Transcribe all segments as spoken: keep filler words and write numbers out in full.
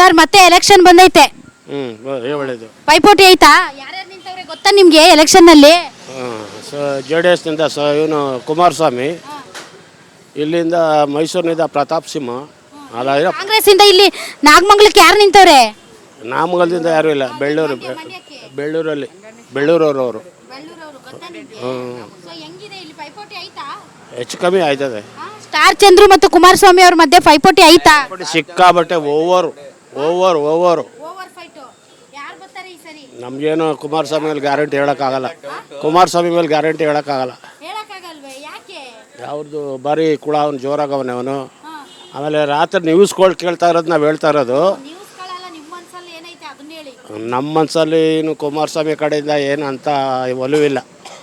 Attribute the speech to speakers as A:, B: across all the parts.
A: Sir ಮತ್ತೆ election ಬಂದೈತೆ.
B: ಹ್ಮ್ ಒಳ್ಳೇದು.
A: ಪೈಪೋಟಿ ಐತಾ? ಯಾರ್ಯಾರು ನಿಂತವ್ರೆ ಗೊತ್ತಾ ನಿಮ್ಗೆ ಎಲೆಕ್ಷನ್ ನಲ್ಲಿ?
B: ಜೆ ಡಿ ಎಸ್ನಿಂದ ಸ ಇವನು ಕುಮಾರಸ್ವಾಮಿ, ಇಲ್ಲಿಂದ ಮೈಸೂರಿನಿಂದ ಪ್ರತಾಪ್ ಸಿಂಹ, ಅಲ್ಲ
A: ಕಾಂಗ್ರೆಸ್ ಇಂದ ಇಲ್ಲಿ ನಾಗಮಂಗಲಕ್ಕೆ ಯಾರು ನಿಂತವ್ರೆ?
B: ನಾಮಗಲದಿಂದ ಯಾರೂ ಇಲ್ಲ. ಬೆಳ್ಳೂರು ಬೆಳ್ಳೂರಲ್ಲಿ ಬೆಳ್ಳೂರವರು ಹೆಚ್ಚು ಕಮ್ಮಿ ಆಯ್ತದೆ.
A: ಸ್ಟಾರ್ ಚಂದ್ರು ಮತ್ತು ಕುಮಾರಸ್ವಾಮಿ ಅವ್ರ ಮಧ್ಯೆ ಪೈಪೋಟಿ ಐತಾ?
B: ಸಿಕ್ಕಾಬಟ್ಟೆ ಓವರ್ ಓವರ್ ಓವರ್ ನಮ್ಗೇನು ಕುಮಾರಸ್ವಾಮಿ ಮೇಲೆ ಗ್ಯಾರಂಟಿ ಹೇಳೋಕ್ಕಾಗಲ್ಲ. ಕುಮಾರಸ್ವಾಮಿ ಮೇಲೆ ಗ್ಯಾರಂಟಿ ಹೇಳೋಕ್ಕಾಗಲ್ಲ. ಯಾವ್ದು ಬಾರಿ ಕುಳ ಅವನು ಜೋರಾಗವನೆ ಅವನು. ಆಮೇಲೆ ರಾತ್ರಿ ನ್ಯೂಸ್ಗಳು ಕೇಳ್ತಾ ಇರೋದು ನಾವು ಹೇಳ್ತಾ ಇರೋದು. ನಮ್ಮ ಮನಸ್ಸಲ್ಲಿ ಇನ್ನು ಕುಮಾರಸ್ವಾಮಿ ಕಡೆಯಿಂದ ಏನು ಅಂತ ಒಲವಿಲ್ಲ.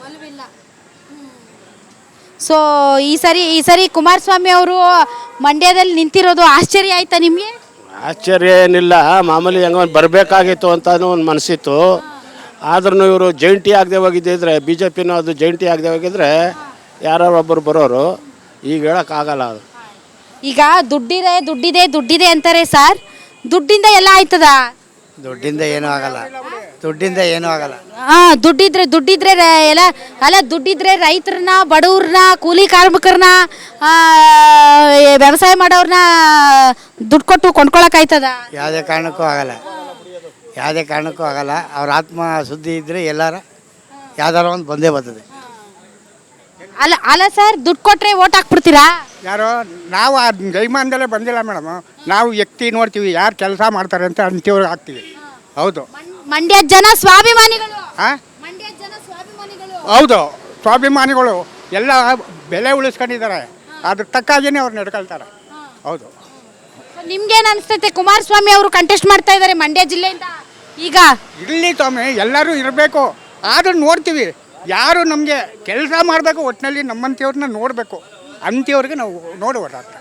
A: ಸೊ ಈ ಸರಿ ಈ ಸರಿ ಕುಮಾರಸ್ವಾಮಿ ಅವರು ಮಂಡ್ಯದಲ್ಲಿ ನಿಂತಿರೋದು ಆಶ್ಚರ್ಯ ಆಯ್ತಾ ನಿಮಗೆ?
B: ಆಶ್ಚರ್ಯ ಏನಿಲ್ಲ, ಮಾಮೂಲಿ ಹೆಂಗ ಬರಬೇಕಾಗಿತ್ತು ಅಂತಾನು ಒಂದು ಮನಸ್ಸಿತ್ತು. ಆದ್ರೂ ಇವರು ಜೈಂಟಿ ಆಗದೆ ಹೋಗಿದ್ದಿದ್ರೆ, ಬಿ ಜೆ ಪಿನೂ ಅದು ಜೈಂಟಿ ಆಗದೆ ಹೋಗಿದ್ರೆ ಯಾರೋ ಒಬ್ಬರು ಬರೋರು. ಈಗ ಹೇಳೋಕ್ಕಾಗಲ್ಲ. ಅದು
A: ಈಗ ದುಡ್ಡಿದೆ ದುಡ್ಡಿದೆ ದುಡ್ಡಿದೆ ಅಂತಾರೆ ಸರ್. ದುಡ್ಡಿಂದ ಎಲ್ಲ ಆಯ್ತದ?
C: ದುಡ್ಡಿಂದ ಏನೂ ಆಗಲ್ಲ. ದುಡ್ಡಿಂದ ಏನೂ ಆಗಲ್ಲ.
A: ಹಾಂ, ದುಡ್ಡಿದ್ರೆ ದುಡ್ಡಿದ್ರೆ ಎಲ್ಲ ಅಲ್ಲ, ದುಡ್ಡಿದ್ರೆ ರೈತರನ್ನ, ಬಡವ್ರನ್ನ, ಕೂಲಿ ಕಾರ್ಮಿಕರನ್ನ, ವ್ಯವಸಾಯ ಮಾಡೋರನ್ನ ದುಡ್ಡು ಕೊಟ್ಟು ಕೊಂಡ್ಕೊಳಕ್ಕಾಯ್ತದ?
C: ಯಾವುದೇ ಕಾರಣಕ್ಕೂ ಆಗಲ್ಲ. ಯಾವುದೇ ಕಾರಣಕ್ಕೂ ಆಗಲ್ಲ. ಅವ್ರ ಆತ್ಮ ಸುದ್ದಿ ಇದ್ದರೆ ಎಲ್ಲಾರ ಯಾವ್ದಾರ ಒಂದು ಬಂದೇ ಬರ್ತದೆ.
A: ಅಲ್ಲ ಅಲ್ಲ ಸರ್, ದುಡ್ಡು ಕೊಟ್ಟರೆ ಓಟ್ ಹಾಕ್ಬಿಡ್ತೀರಾ?
D: ಯಾರೋ ನಾವು ಆ ಜೈಮಾನದಲ್ಲೇ ಬಂದಿಲ್ಲ ಮೇಡಮ್. ನಾವು ವ್ಯಕ್ತಿ ನೋಡ್ತೀವಿ, ಯಾರು ಕೆಲಸ ಮಾಡ್ತಾರೆ ಅಂತ ಅಂತೀವ್ರಿಗೆ ಹಾಕ್ತೀವಿ. ಹೌದು,
A: ಮಂಡ್ಯ ಜನ ಸ್ವಾಭಿಮಾನಿಗಳು.
D: ಹಾಂ,
A: ಮಂಡ್ಯ ಜನ ಸ್ವಾಭಿಮಾನಿಗಳು.
D: ಹೌದು, ಸ್ವಾಭಿಮಾನಿಗಳು ಎಲ್ಲ ಬೆಲೆ ಉಳಿಸ್ಕೊಂಡಿದ್ದಾರೆ. ಅದ್ರ ತಕ್ಕಾಗಿಯೇ ಅವ್ರು ನಡ್ಕೊಳ್ತಾರೆ. ಹೌದು.
A: ನಿಮ್ಗೇನು ಅನಿಸ್ತೈತೆ? ಕುಮಾರಸ್ವಾಮಿ ಅವರು ಕಂಟೆಸ್ಟ್ ಮಾಡ್ತಾ ಇದ್ದಾರೆ ಮಂಡ್ಯ ಜಿಲ್ಲೆಯಿಂದ. ಈಗ
D: ಇಲ್ಲಿ ಸ್ವಾಮಿ ಎಲ್ಲರೂ ಇರಬೇಕು. ಆದರೂ ನೋಡ್ತೀವಿ, ಯಾರು ನಮಗೆ ಕೆಲಸ ಮಾಡಬೇಕು, ಒಟ್ಟಿನಲ್ಲಿ ನಮ್ಮಂಥವ್ರನ್ನ ನೋಡಬೇಕು ಅಂಥವ್ರಿಗೆ ನಾವು ನೋಡಿ ಓಡಾಡ್ತೀವಿ.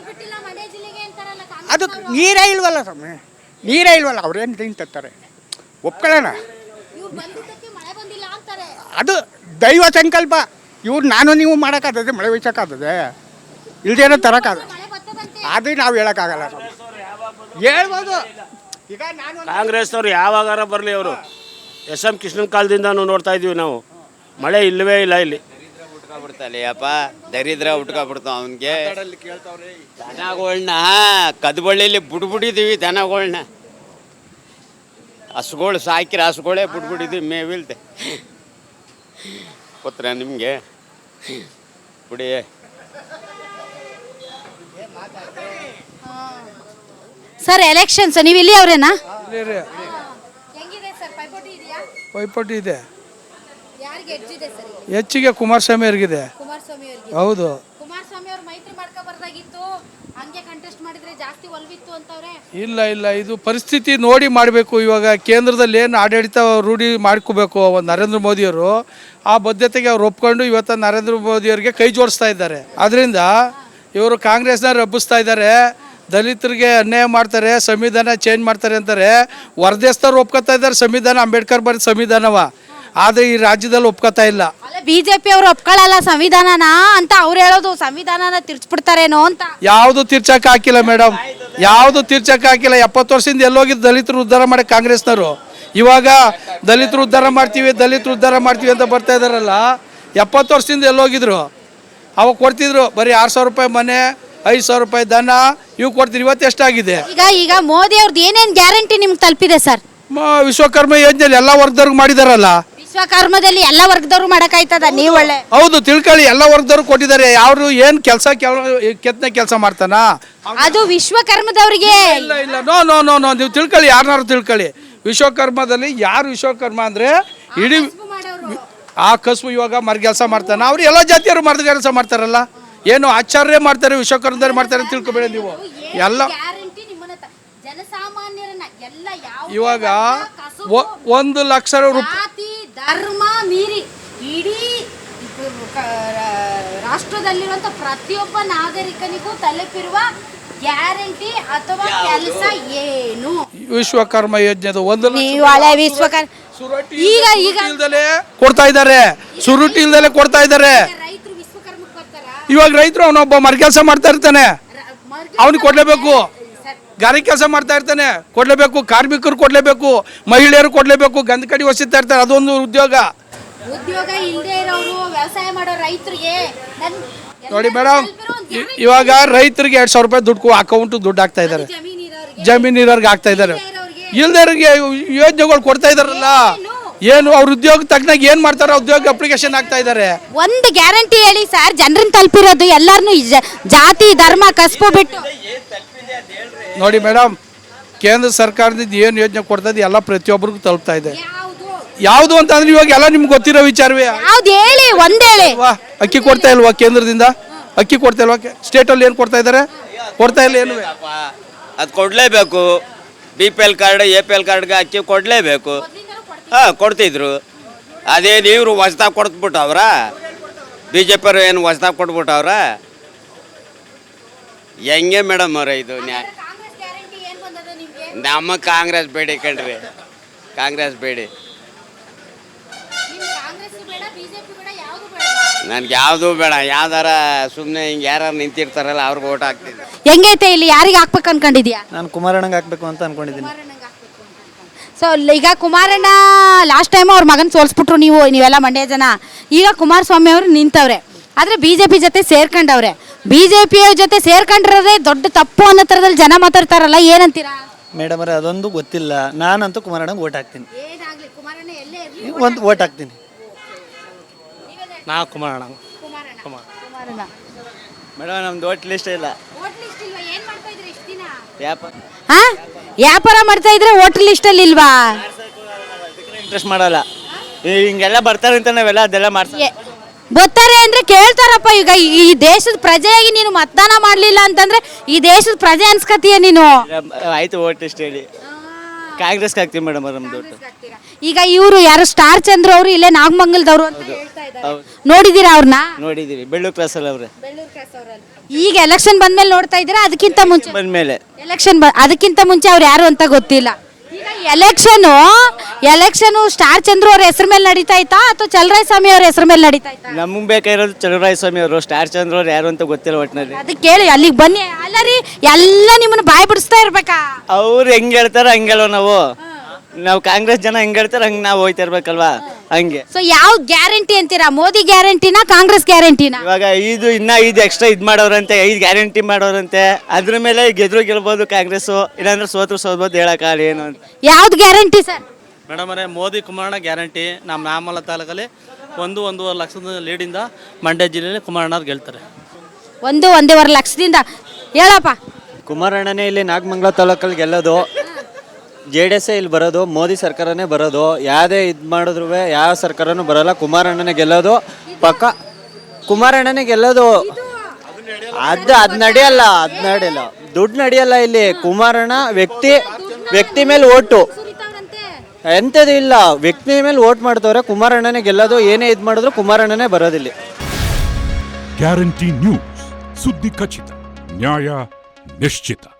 D: ಅದು ನೀರೇ ಇಲ್ವಲ್ಲ ಸ್ವಾಮಿ, ನೀರೇ ಇಲ್ವಲ್ಲ. ಅವ್ರೇನು ತಿಂತಾರೆ ಒಪ್ಕೊಳ್ಳೋಣ. ಅದು ದೈವ ಸಂಕಲ್ಪ. ಇವ್ರು ನಾನು ನೀವು ಮಾಡೋಕ್ಕಾಗ್ತದೆ, ಮಳೆ ಬೀಸೋಕ್ಕಾಗ್ತದೆ, ಇಲ್ದೇನೋ ತರೋಕ್ಕಾಗ. ಅದು ನಾವು ಹೇಳೋಕ್ಕಾಗಲ್ಲ ಸ್ವಾಮಿ. ಹೇಳ್ಬೋದು. ಈಗ ನಾನು
B: ಕಾಂಗ್ರೆಸ್ನವ್ರು ಯಾವಾಗಾರ ಬರಲಿ, ಅವರು ಎಸ್ ಎಂ ಕೃಷ್ಣನ್ ಕಾಲದಿಂದ ನೋಡ್ತಾ ಇದ್ದೀವಿ ನಾವು. ಮಳೆ ಇಲ್ಲವೇ ಇಲ್ಲ ಇಲ್ಲಿ.
E: ಬಿಡ್ತಲ್ಲ ಅಪ್ಪ, ದರಿದ್ರ ಉಟ್ಕೊಬಿಡ್ತಾವ ಅವನಿಗೆ. ದನಗಳನ್ನ ಕದ್ಬಳ್ಳಿಲಿ ಬಿಡ್ಬಿಟ್ಟಿದ್ದೀವಿ. ದನಗಳನ್ನ ಹಸುಗಳು ಸಾಕಿರ ಹಸುಗಳೇ ಬಿಡ್ಬಿಟ್ಟಿದ್ದೀವಿ, ಮೇವಿಲ್ದೆ. ಗೊತ್ತರ ನಿಮಗೆ? ಬಿಡಿ.
A: ಸರ್ ಎಲೆಕ್ಷನ್ಸ್ ನೀವು ಇಲ್ಲಿ ಅವರೇನಾ?
F: ಪೈಪೋಟಿ ಇದೆ. ಹೆಚ್ಚಿಗೆ ಕುಮಾರಸ್ವಾಮಿ ಅವ್ರಿಗಿದೆ. ಹೌದು. ಇಲ್ಲ ಇಲ್ಲ, ಇದು ಪರಿಸ್ಥಿತಿ ನೋಡಿ ಮಾಡಬೇಕು. ಇವಾಗ ಕೇಂದ್ರದಲ್ಲಿ ಏನು ಆಡಳಿತ ರೂಢಿ ಮಾಡ್ಕೋಬೇಕು ಒಂದು ನರೇಂದ್ರ ಮೋದಿಯವರು. ಆ ಬದ್ಧತೆಗೆ ಅವ್ರು ಒಪ್ಕೊಂಡು ಇವತ್ತು ನರೇಂದ್ರ ಮೋದಿಯವರಿಗೆ ಕೈ ಜೋಡಿಸ್ತಾ ಇದ್ದಾರೆ. ಅದರಿಂದ ಇವರು ಕಾಂಗ್ರೆಸ್ನವ್ರು ಹಬ್ಬಿಸ್ತಾ ಇದ್ದಾರೆ. ದಲಿತರಿಗೆ ಅನ್ಯಾಯ ಮಾಡ್ತಾರೆ, ಸಂವಿಧಾನ ಚೇಂಜ್ ಮಾಡ್ತಾರೆ ಅಂತಾರೆ. ಹೊರದೇಶದವ್ರು ಒಪ್ಕೋತಾ ಇದ್ದಾರೆ ಸಂವಿಧಾನ, ಅಂಬೇಡ್ಕರ್ ಬರೆದ ಸಂವಿಧಾನವ. ಆದರೆ ಈ ರಾಜ್ಯದಲ್ಲಿ ಒಪ್ಕೋತಾ ಇಲ್ಲ.
A: ಬಿಜೆಪಿ ಅವರು ಒಪ್ಕೊಳ್ಳಲ್ಲ ಸಂವಿಧಾನನ ಅಂತ ಅವ್ರು ಹೇಳೋದು. ಸಂವಿಧಾನನ ತಿರ್ಚ್ಬಿಡ್ತಾರೇನೋ ಅಂತ.
F: ಯಾವುದು ತಿರ್ಚಕ್ ಹಾಕಿಲ್ಲ ಮೇಡಮ್, ಯಾವುದು ತಿರ್ಚಕ್ ಹಾಕಿಲ್ಲ. ಎಪ್ಪತ್ತು ವರ್ಷದಿಂದ ಎಲ್ಲೋಗಿದ್ದು ದಲಿತರು ಉದ್ಧಾರ ಮಾಡಿ ಕಾಂಗ್ರೆಸ್ನವರು. ಇವಾಗ ದಲಿತರು ಉದ್ಧಾರ ಮಾಡ್ತೀವಿ ದಲಿತರು ಉದ್ಧಾರ ಮಾಡ್ತೀವಿ ಅಂತ ಬರ್ತಾ ಇದಾರಲ್ಲ. ಎಪ್ಪತ್ತು ವರ್ಷದಿಂದ ಎಲ್ಲೋಗಿದ್ರು? ಅವಾಗ ಕೊಡ್ತಿದ್ರು ಬರೀ ಆರು ಸಾವಿರ ರೂಪಾಯಿ ಮನೆ, ಐದು ಸಾವಿರ ರೂಪಾಯಿ ದನ, ಇವು ಕೊಡ್ತೀರಿ. ಇವತ್ತು ಎಷ್ಟಾಗಿದೆ?
A: ಈಗ ಈಗ ಮೋದಿ ಅವ್ರದ್ದು ಏನೇನು ಗ್ಯಾರಂಟಿ ನಿಮ್ಗೆ ತಲುಪಿದೆ ಸರ್?
F: ವಿಶ್ವಕರ್ಮ ಯೋಜನೆಯಲ್ಲಿ ಎಲ್ಲ ವರ್ಗದವ್ರಿಗೆ ಮಾಡಿದಾರಲ್ಲ.
A: ವಿಶ್ವಕರ್ಮದಲ್ಲಿ ಎಲ್ಲ ವರ್ಗದವ್ರು ಮಾಡಕ್ಕಾಯ್ತದ? ನೀವು ಒಳ್ಳೆ
F: ಹೌದು ತಿಳ್ಕೊಳ್ಳಿ, ಎಲ್ಲ ವರ್ಗದವ್ರು ಕೊಟ್ಟಿದ್ದಾರೆ. ಯಾರು ಏನು ಕೆಲಸ ಕೆತ್ತನೆ ಕೆಲಸ ಮಾಡ್ತಾನ?
A: ಅದು ವಿಶ್ವಕರ್ಮದವ್ರಿಗೆ.
F: ಇಲ್ಲ ಇಲ್ಲ, ನೋ ನೋ ನೋ ನೋ ನೀವು ತಿಳ್ಕೊಳ್ಳಿ, ಯಾರನ್ನಾರು ತಿಳ್ಕೊಳ್ಳಿ. ವಿಶ್ವಕರ್ಮದಲ್ಲಿ ಯಾರು ವಿಶ್ವಕರ್ಮ ಅಂದ್ರೆ ಇಡೀ ಆ ಕಸುಬು. ಇವಾಗ ಮರ ಕೆಲಸ ಮಾಡ್ತಾನೆ, ಅವ್ರು ಎಲ್ಲ ಜಾತಿಯವರು ಮರದ ಕೆಲಸ ಮಾಡ್ತಾರಲ್ಲ. ಏನು ಆಚಾರ್ಯ ಮಾಡ್ತಾರೆ, ವಿಶ್ವಕರ್ಮದವ್ರು ಮಾಡ್ತಾರೆ ಅಂತ ತಿಳ್ಕೊಬೇಡಿ ನೀವು. ಎಲ್ಲ ಇವಾಗ ಒಂದು ಲಕ್ಷ ರೂಪಾಯಿ
A: ಧರ್ಮ ಮೀರಿ ಇಡೀ ರಾಷ್ಟ್ರದಲ್ಲಿರುವಂತ ಪ್ರತಿಯೊಬ್ಬ ನಾಗರಿಕನಿಗೂ ತಲುಪಿರುವ ಗ್ಯಾರಂಟಿ ಅಥವಾ ಕೆಲಸ ಏನು?
F: ವಿಶ್ವಕರ್ಮ ಯೋಜನೆ ಒಂದು
A: ವಿಶ್ವಕರ್ಮ ಈಗ ಈಗ
F: ಕೊಡ್ತಾ ಇದ್ದಾರೆ. ಸುರುಟಿ ಇಲ್ದಲೆ ಕೊಡ್ತಾ ಇದ್ದಾರೆ. ಇವಾಗ ರೈತರು ಅವನೊಬ್ಬ ಮರ ಕೆಲಸ ಮಾಡ್ತಾ ಇರ್ತಾನೆ, ಅವನಿಗೆ ಕೊಡ್ಲೇಬೇಕು. ಗಾರೆ ಕೆಲಸ ಮಾಡ್ತಾ ಇರ್ತಾನೆ, ಕೊಡಲೇಬೇಕು. ಕಾರ್ಮಿಕರು ಕೊಡಲೇಬೇಕು, ಮಹಿಳೆಯರು ಕೊಡಲೇಬೇಕು. ಗಂಧ ಕಡಿ ಹೊಸಿತಾ ಇರ್ತಾರೆ, ಅದೊಂದು ಉದ್ಯೋಗ.
A: ಉದ್ಯೋಗ ಇಲ್ಲದೆ ಇರೋರು, ವ್ಯವಸಾಯ ಮಾಡೋ ರೈತರಿಗೆ
F: ನೋಡಿ ಮೇಡಮ್, ಇವಾಗ ರೈತರಿಗೆ ಎರಡು ಸಾವಿರ ರೂಪಾಯಿ ದುಡ್ಡು ಅಕೌಂಟ್ ದುಡ್ಡು ಹಾಕ್ತಾ ಇದ್ದಾರೆ, ಜಮೀನು ಇರೋರ್ಗೆ ಹಾಕ್ತಾ ಇದ್ದಾರೆ. ಇಲ್ದೇರಿಗೆ ಯೋಜನೆಗಳು ಕೊಡ್ತಾ ಇದಾರಲ್ಲ, ಏನು ಅವ್ರ ಉದ್ಯೋಗ ತಕ್ಕನಾಗ ಏನು ಮಾಡ್ತಾರೋ ಉದ್ಯೋಗ ಅಪ್ಲಿಕೇಶನ್ ಹಾಕ್ತಾ ಇದ್ದಾರೆ.
A: ಒಂದು ಗ್ಯಾರಂಟಿ ಹೇಳಿ ಸರ್, ಜನರನ್ನ ತಲುಪಿರೋದು ಎಲ್ಲಾರನು ಜಾತಿ ಧರ್ಮ ಕಸ್ಬು ಬಿಟ್ಟು.
F: ನೋಡಿ ಮೇಡಮ್, ಕೇಂದ್ರ ಸರ್ಕಾರದಿಂದ ಏನು ಯೋಜನೆ ಕೊಡ್ತದೆ ಎಲ್ಲ ಪ್ರತಿಯೊಬ್ಬರಿಗೂ ತಲುಪ್ತಾ ಇದೆ. ಯಾವುದು ಅಂತ ಅಂದ್ರೆ ಇವಾಗ ಎಲ್ಲ ನಿಮ್ಗೆ ಗೊತ್ತಿರೋ ವಿಚಾರವೇ.
A: ಯಾವ್ದು ಹೇಳಿ, ಒಂದ್ ಹೇಳಿ.
F: ಅಕ್ಕಿ ಕೊಡ್ತಾ ಇಲ್ವಾ ಕೇಂದ್ರದಿಂದ? ಅಕ್ಕಿ ಕೊಡ್ತಾ ಇಲ್ವಾ? ಸ್ಟೇಟಲ್ಲಿ ಏನು ಕೊಡ್ತಾ ಇದ್ದಾರೆ? ಕೊಡ್ತಾ ಇಲ್ಲ ಏನು?
E: ಅದು ಕೊಡಲೇಬೇಕು. B P L card, A P L ಕಾರ್ಡ್ಗೆ ಅಕ್ಕಿ ಕೊಡಲೇಬೇಕು. ಹಾಂ, ಕೊಡ್ತಿದ್ರು. ಅದೇನು ಇವರು ಹೊಸ್ದಾಗಿ ಕೊಡ್ಬಿಟ್ಟವ್ರ? ಬಿ ಜೆ ಪಿಯವರು ಏನು ಹೊಸ್ದಾಗಿ ಕೊಟ್ಬಿಟ್ಟವ್ರ? ಹೆಂಗೆ ಮೇಡಮ್ ಅವ್ರ ಇದು ನ್ಯಾಯ? ನಮ್ಮ ಕಾಂಗ್ರೆಸ್ ಬೇಡಿ ಕಣ್ರಿ, ಕಾಂಗ್ರೆಸ್ ಬೇಡಿ. ನನ್ಗೆ ಯಾವುದು ಬೇಡ. ಯಾವ್ದಾರ ಸುಮ್ಮನೆ ಹಿಂಗೆ ಯಾರು ನಿಂತಿರ್ತಾರಲ್ಲ ಅವ್ರಿಗೆ ಓಟ್ ಹಾಕ್ತೀನಿ.
A: ಹೆಂಗೈತೆ ಇಲ್ಲಿ, ಯಾರಿಗೆ ಹಾಕ್ಬೇಕು ಅನ್ಕೊಂಡಿದ್ಯಾ?
G: ನಾನು ಕುಮಾರಣ್ಣಂಗೆ ಹಾಕ್ಬೇಕು ಅಂತ ಅನ್ಕೊಂಡಿದ್ದೀನಿ.
A: ಸೊ ಈಗ ಕುಮಾರಣ್ಣ ಲಾಸ್ಟ್ ಟೈಮ್ ಅವ್ರ ಮಗನ ಸೋಲ್ಸ್ಬಿಟ್ರು ನೀವು ನೀವೆಲ್ಲ ಮಂಡ್ಯ ಜನ. ಈಗ ಕುಮಾರಸ್ವಾಮಿ ಅವರು ನಿಂತವ್ರೆ, ಆದರೆ ಬಿ ಜೆ ಪಿ ಜೊತೆ ಸೇರ್ಕೊಂಡವ್ರೆ. ಬಿ ಜೆ ಪಿ ಜೊತೆ ಸೇರ್ಕೊಂಡಿರೋದೇ ದೊಡ್ಡ ತಪ್ಪು ಅನ್ನೋ ಥರದಲ್ಲಿ ಜನ ಮಾತಾಡ್ತಾರಲ್ಲ, ಏನಂತೀರಾ?
G: ಮೇಡಮ್ ಅವರೇ, ಅದೊಂದು ಗೊತ್ತಿಲ್ಲ. ನಾನಂತೂ ಕುಮಾರಣ್ಣಂಗೆ ಓಟ್ ಹಾಕ್ತೀನಿ, ಒಂದು ಓಟ್ ಹಾಕ್ತೀನಿ.
C: ನಾ ಕುಮಾರಣ್ಣ.
G: ಮೇಡಮ್ ನಮ್ದು ಓಟ್ ಲಿಸ್ಟ್ ಇಲ್ಲ.
A: ಹಾ, ವ್ಯಾಪಾರ ಮಾಡ್ತಾ ಇದ್ರೆ ಹೋಟೆಲ್ ಲಿಸ್ಟಲ್ಲಿ ಇಲ್ವಾ?
G: ಇಂಟ್ರೆಸ್ಟ್ ಮಾಡಲ್ಲ. ಹಿಂಗೆಲ್ಲ ಬರ್ತಾರೆ ಅಂತ ನಾವೆಲ್ಲ ಅದೆಲ್ಲ ಮಾಡ್ತೀವಿ.
A: ಬರ್ತಾರೆ ಅಂದ್ರೆ ಕೇಳ್ತಾರಪ್ಪ. ಈಗ ಈ ದೇಶದ ಪ್ರಜೆಯಾಗಿ ನೀನು ಮತದಾನ ಮಾಡ್ಲಿಲ್ಲ ಅಂತಂದ್ರೆ ಈ ದೇಶದ ಪ್ರಜೆ ಅನ್ಸ್ಕತೀಯ ನೀನು.
G: ಆಯ್ತು, ಓಟ್ ಲಿಸ್ಟ್ ಹೇಳಿ. ಕಾಂಗ್ರೆಸ್ಗೆ ಹಾಕ್ತೀವಿ ಮೇಡಮ್ ಅವ್ರ ನಮ್ದು ಓಟು.
A: ಈಗ ಇವರು ಯಾರು ಸ್ಟಾರ್ ಚಂದ್ರ ಅವರು ಇಲ್ಲೇ ನಾಗಮಂಗಲದವರು ಅಂತ ಹೇಳ್ತಾ ಇದ್ದಾರೆ, ನೋಡಿದೀರಾ ಅವ್ರನ್ನ?
G: ನೋಡಿದೀವಿ, ಬೆಳ್ಳೂರು ಕ್ರಾಸಲ್ಲಿ ಅವ್ರೆ.
A: ಈಗ ಎಲೆಕ್ಷನ್ ಬಂದ್ಮೇಲೆ ನೋಡ್ತಾ ಇದ್ದೀರಾ? ಅದಕ್ಕಿಂತ ಮುಂಚೆ
G: ಬಂದ್ಮೇಲೆ
A: ಎಲೆಕ್ಷನ್ ಅದಕ್ಕಿಂತ ಮುಂಚೆ ಅವ್ರು ಯಾರು ಅಂತ ಗೊತ್ತಿಲ್ಲ. ಈಗ ಎಲೆಕ್ಷನು ಎಲೆಕ್ಷನು ಸ್ಟಾರ್ ಚಂದ್ರ ಅವ್ರ ಹೆಸರು ಮೇಲೆ ನಡೀತಾ ಇತ್ತಾ ಅಥವಾ ಚಲರಾಯ ಸ್ವಾಮಿ ಅವ್ರ ಹೆಸರು ಮೇಲೆ ನಡೀತಾ ಇತ್ತಾ?
G: ನಮಗೆ ಬೇಕಾಗಿರೋದು ಚಲರಾಯ ಸ್ವಾಮಿ ಅವರು. ಸ್ಟಾರ್ ಚಂದ್ರ ಅವ್ರು ಯಾರು ಅಂತ ಗೊತ್ತಿಲ್ಲ ಒಟ್ಟಿನಲ್ಲಿ.
A: ಅದಕ್ಕೆ ಕೇಳಿ, ಅಲ್ಲಿಗೆ ಬನ್ನಿ. ಅಲ್ಲ ರೀ, ಎಲ್ಲ ನಿಮ್ಮನ್ನ ಬಾಯಿ ಬಿಡಿಸ್ತಾ ಇರ್ಬೇಕಾ?
G: ಅವ್ರು ಹೆಂಗ್ ಹೇಳ್ತಾರ ಹಂಗಲ್ವ ನಾವು. ನಾವು ಕಾಂಗ್ರೆಸ್ ಜನ ಹೆಂಗ್ ಹೇಳ್ತಾರ ಹಂಗೆ ನಾವು ಹೋಯ್ತಾ ಇರ್ಬೇಕಲ್ವಾ, ಹಂಗೆ.
A: ಸೊ ಯಾವ ಗ್ಯಾರಂಟಿ ಅಂತೀರಾ? ಮೋದಿ ಗ್ಯಾರಂಟಿನಾ ಕಾಂಗ್ರೆಸ್ ಗ್ಯಾರಂಟಿನಾ?
G: ಇವಾಗ ಇದು ಇನ್ನ ಐದು ಎಕ್ಸ್ಟ್ರಾ ಇದು ಮಾಡೋರಂತೆ, ಐದು ಗ್ಯಾರಂಟಿ ಮಾಡೋರಂತೆ. ಅದ್ರ ಮೇಲೆ ಗೆದ್ರು ಗೆಲ್ಬೋದು ಕಾಂಗ್ರೆಸ್, ಇಲ್ಲಾಂದ್ರೆ ಸೋತ್ರು ಸೋಲ್ಬೋದು, ಹೇಳಕ್ಕಾಗಲ್ಲ ಏನು ಅಂತ.
A: ಯಾವ್ದು ಗ್ಯಾರಂಟಿ ಸರ್?
H: ಮೇಡಮ್ ಅವರೇ, ಮೋದಿ ಕುಮಾರಣ್ಣ ಗ್ಯಾರಂಟಿ. ನಮ್ಮ ನಾಮಲ ತಾಲೂಕಲ್ಲಿ ಒಂದು ಒಂದೂವರೆ ಲಕ್ಷದ ಲೀಡಿಂದ ಮಂಡ್ಯ ಜಿಲ್ಲೆಯಲ್ಲಿ ಕುಮಾರಣ್ಣವ್ರು ಗೆಲ್ತಾರೆ.
A: ಒಂದು ಒಂದೂವರೆ ಲಕ್ಷದಿಂದ ಹೇಳಪ್ಪ.
G: ಕುಮಾರಣ್ಣನೇ ಇಲ್ಲಿ ನಾಗಮಂಗಲ ತಾಲೂಕಲ್ಲಿ ಗೆಲ್ಲೋದು. ಜೆ ಡಿ ಎಸ್ ಇಲ್ಲಿ ಬರೋದು, ಮೋದಿ ಸರ್ಕಾರನೇ ಬರೋದು. ಯಾವುದೇ ಇದು ಮಾಡಿದ್ರು ಯಾವ ಸರ್ಕಾರನೂ ಬರೋಲ್ಲ, ಕುಮಾರಣ್ಣನೇ ಗೆಲ್ಲೋದು ಪಕ್ಕ. ಕುಮಾರಣ್ಣನೇ ಗೆಲ್ಲೋದು. ಅದು ಅದು ನಡೆಯಲ್ಲ, ಅದು ನಡೆಯಲ್ಲ, ದುಡ್ಡು ನಡೆಯಲ್ಲ ಇಲ್ಲಿ. ಕುಮಾರಣ್ಣ ವ್ಯಕ್ತಿ ವ್ಯಕ್ತಿ ಮೇಲೆ ಓಟು ಎಂಥದ್ದು ಇಲ್ಲ, ವ್ಯಕ್ತಿ ಮೇಲೆ ಓಟ್ ಮಾಡ್ತವ್ರೆ. ಕುಮಾರಣ್ಣನೇ ಗೆಲ್ಲೋದು. ಏನೇ ಇದು ಮಾಡಿದ್ರು ಕುಮಾರಣ್ಣನೇ ಬರೋದಿಲ್ಲ.
I: ಗ್ಯಾರಂಟಿ ನ್ಯೂಸ್, ಸುದ್ದಿ ಖಚಿತ, ನ್ಯಾಯ ನಿಶ್ಚಿತ.